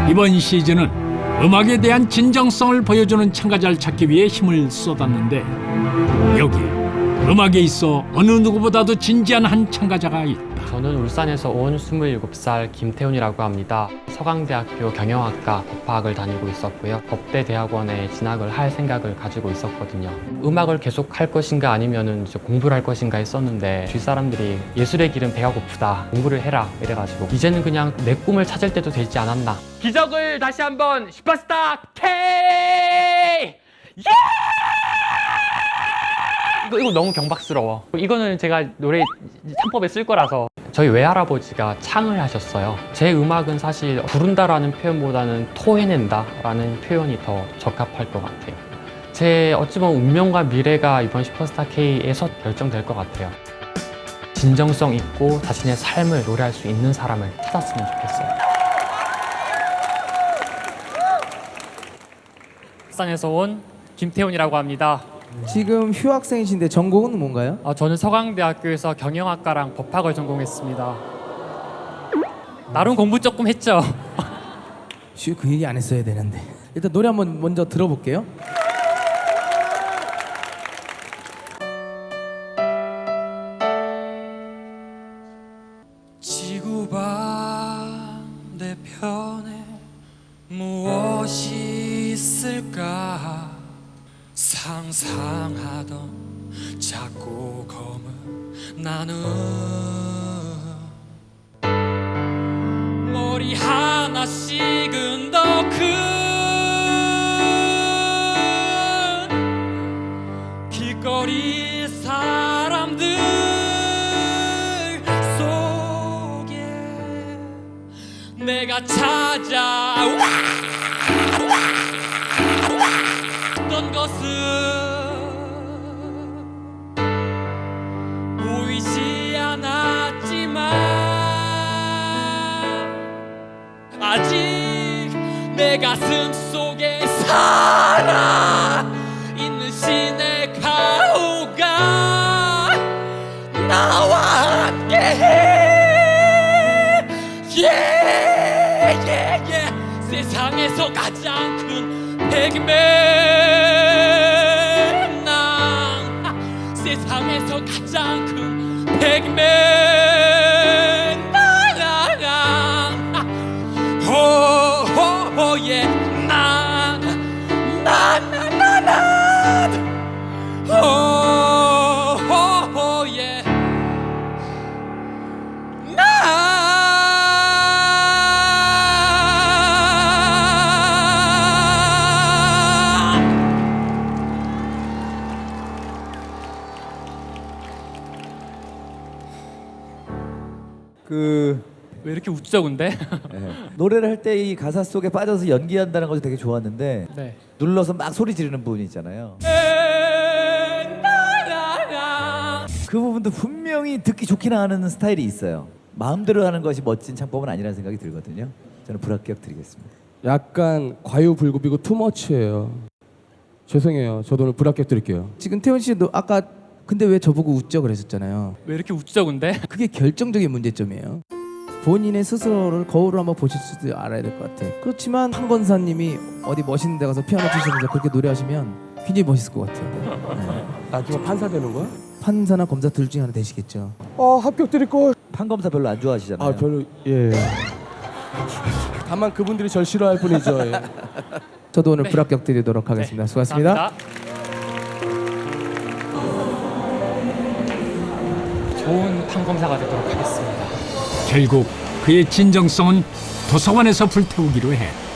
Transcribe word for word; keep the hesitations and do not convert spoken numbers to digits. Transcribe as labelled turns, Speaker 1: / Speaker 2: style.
Speaker 1: 이번 시즌은 음악에 대한 진정성을 보여주는 참가자를 찾기 위해 힘을 쏟았는데 여기에 음악에 있어 어느 누구보다도 진지한 한 참가자가 있다.
Speaker 2: 저는 울산에서 온 스물일곱 살 김태훈이라고 합니다. 서강대학교 경영학과 법학을 다니고 있었고요. 법대 대학원에 진학을 할 생각을 가지고 있었거든요. 음악을 계속 할 것인가 아니면 이제 공부를 할 것인가 했었는데 주위 사람들이 예술의 길은 배가 고프다, 공부를 해라 이래가지고 이제는 그냥 내 꿈을 찾을 때도 되지 않았나. 기적을 다시 한번 슈퍼스타 K! 예! 이거, 이거 너무 경박스러워. 이거는 제가 노래 창법에 쓸 거라서. 저희 외할아버지가 창을 하셨어요. 제 음악은 사실 부른다라는 표현보다는 토해낸다라는 표현이 더 적합할 것 같아요. 제 어찌 보면 운명과 미래가 이번 슈퍼스타 K에서 결정될 것 같아요. 진정성 있고 자신의 삶을 노래할 수 있는 사람을 찾았으면 좋겠어요. 울산에서 온 김태훈이라고 합니다.
Speaker 3: 지금 휴학생이신데 전공은 뭔가요?
Speaker 2: 어, 저는 서강대학교에서 경영학과랑 법학을 전공했습니다. 나름 공부 조금 했죠.
Speaker 3: 쉬, 그 얘기 안 했어야 되는데. 일단 노래 한번 먼저 들어볼게요.
Speaker 4: 지구 반대편에 무엇이 있을까 상상하던 작고 검은 나는 머리 하나씩은 더 큰 길거리 사람들 속에 내가 찾아와 어떤 것은 보이지 않았지만 아직 내 가슴 속에 살아 있는 신의 가호가 나와 함께해 yeah, yeah, yeah. 세상에서 가장 큰 백맨 난 세상에서 가장 큰 백맨 난 호호호예 난난난난 호호호예
Speaker 5: 그
Speaker 2: 왜 이렇게 웃죠, 근데?
Speaker 5: 네. 노래를 할 때 이 가사 속에 빠져서 연기한다는 것이 되게 좋았는데
Speaker 2: 네.
Speaker 5: 눌러서 막 소리 지르는 부분이 있잖아요. 그 부분도 분명히 듣기 좋긴 하는 스타일이 있어요. 마음대로 하는 것이 멋진 창법은 아니라는 생각이 들거든요. 저는 불합격 드리겠습니다.
Speaker 6: 약간 과유불급이고 투머치예요. 죄송해요. 저도 오늘 불합격 드릴게요.
Speaker 3: 지금 태훈 씨도 아까 근데 왜 저보고 웃죠 그랬었잖아요.
Speaker 2: 왜 이렇게 웃죠, 근데?
Speaker 3: 그게 결정적인 문제점이에요. 본인의 스스로를 거울을 한번 보실 수도 알아야 될 것 같아. 그렇지만 한 권사님이 어디 멋있는 데 가서 피아노 치시면서 그렇게 노래하시면 굉장히 멋있을 것 같아요. 네.
Speaker 6: 나중에 판사 되는 거야?
Speaker 3: 판사나 검사 둘 중에 하나 되시겠죠.
Speaker 6: 아 합격 드릴 걸.
Speaker 5: 판검사 별로 안 좋아하시잖아요.
Speaker 6: 아 별로 예. 다만 그분들이 절 싫어할 뿐이죠. 예.
Speaker 3: 저도 오늘
Speaker 2: 네.
Speaker 3: 불합격 드리도록 하겠습니다.
Speaker 2: 네,
Speaker 3: 수고하셨습니다.
Speaker 2: 감사합니다. 좋은 판검사가 되도록 하겠습니다.
Speaker 1: 결국 그의 진정성은 도서관에서 불태우기로 해.